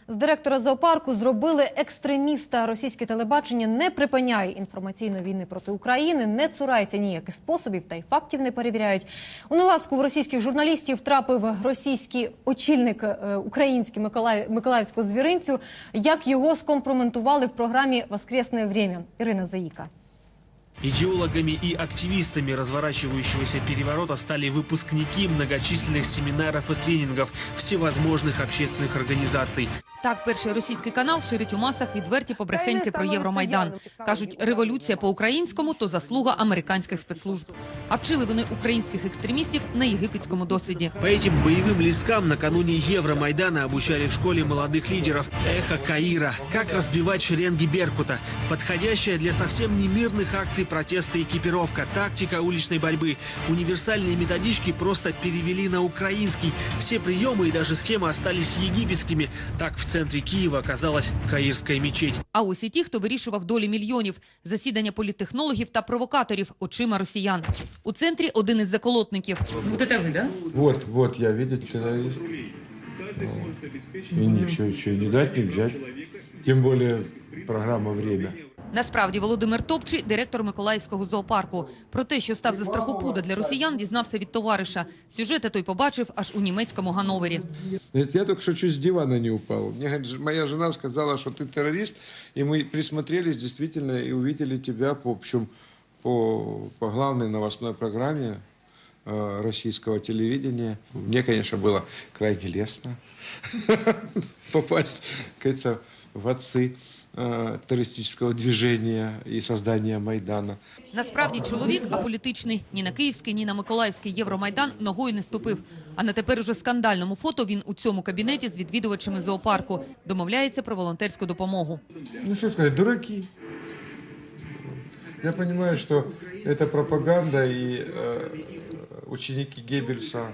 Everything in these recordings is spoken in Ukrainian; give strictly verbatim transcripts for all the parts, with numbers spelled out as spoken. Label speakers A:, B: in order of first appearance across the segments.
A: З директора зоопарку зробили екстреміста. Російське телебачення не припиняє інформаційної війни проти України, не цурається ніяких способів та й фактів не перевіряють. У неласку в російських журналістів трапив російський очільник український Миколаїв, Миколаївського звіринцю. Як його скомпроментували в програмі «Воскресне время». Ірина Заїка.
B: Идеологами и активистами разворачивающегося переворота стали выпускники многочисленных семинаров и тренингов всевозможных общественных организаций.
C: Так, перший російський канал ширить у масах відверті побрехеньки про Євромайдан. Кажуть, революція по-українському – то заслуга американських спецслужб. А вчили вони українських екстремістів на єгипетському досвіді.
B: По этим боевым листкам накануне Евромайдана обучали в школе молодых лидеров «Эхо Каира», как разбивать шеренги Беркута, подходящая для совсем немирных акций протеста экипировка, тактика уличной борьбы. Универсальные методички просто перевели на украинский. Все приемы и даже схемы остались египетскими. Так в центре Киева оказалась Каирская мечеть.
C: А ось і ті, хто вирішував долі мільйонів. Засідання політтехнологів та провокаторів очима росіян. У центрі один із заколотників. Вот це ви, да?
D: Вот, вот, я, видите, террорист. И ничего еще не дать, не взять. Тем более программа «Время».
C: Насправді, Володимир Топчий – директор Миколаївського зоопарку. Про те, що став за страхопуда для росіян, дізнався від товариша. Сюжети той побачив аж у німецькому Ганновері.
D: Я только что чуть с дивана не упал. Мне моя жена сказала, что ты террорист, и мы присмотрелись действительно и увидели тебя по, общем, по, по главной новостной программе э, российского телевидения. Мне, конечно, было крайне лестно попасть, как говорится, в отцы терористичного движения і создания Майдана.
C: Насправді чоловік аполітичний. Ні на київський, ні на миколаївський Євромайдан ногою не ступив. А на тепер уже скандальному фото він у цьому кабінеті з відвідувачами зоопарку. Домовляється про волонтерську допомогу.
D: Ну что сказать, дураки. Я понимаю, что это пропаганда и э, ученики Геббельса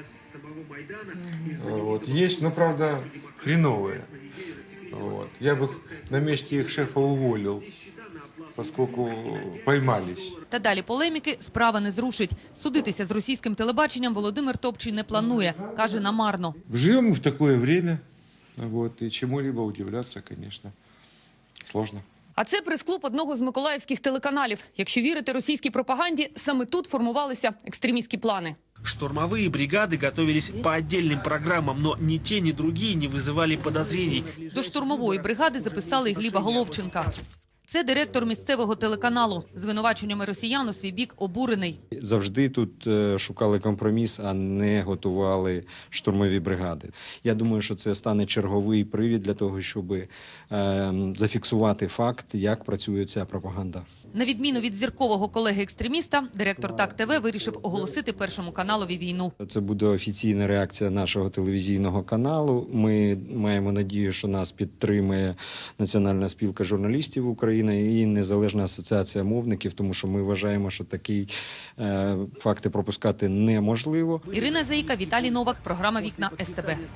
D: вот, есть, но правда хреновые. Вот. Я бы на месте их шефа уволил, поскольку поймались.
C: Та далі полеміки справа не зрушить. Судитися з російським телебаченням Володимир Топчий не планує. Каже, намарно.
D: Живем в такое время, вот, и чему-либо удивляться, конечно, сложно.
C: А це прес-клуб одного з миколаївських телеканалів. Якщо вірити російській пропаганді, саме тут формувалися екстремістські плани.
B: Штурмовые бригады готовились по отдельным программам, но ни те, ни другие не вызывали подозрений.
C: До штурмової бригади записали і Гліба Головченка. Це директор місцевого телеканалу. Звинуваченнями росіян у свій бік обурений.
E: Завжди тут шукали компроміс, а не готували штурмові бригади. Я думаю, що це стане черговий привід для того, щоб е, зафіксувати факт, як працює ця пропаганда.
C: На відміну від зіркового колеги-екстреміста, директор Так ТВ вирішив оголосити Першому каналові війну.
E: Це буде офіційна реакція нашого телевізійного каналу. Ми маємо надію, що нас підтримує Національна спілка журналістів України і Незалежна асоціація мовників, тому що ми вважаємо, що такі е, факти пропускати неможливо.
C: Ірина Заїка, Віталій Новак, програма «Вікна ес те бе».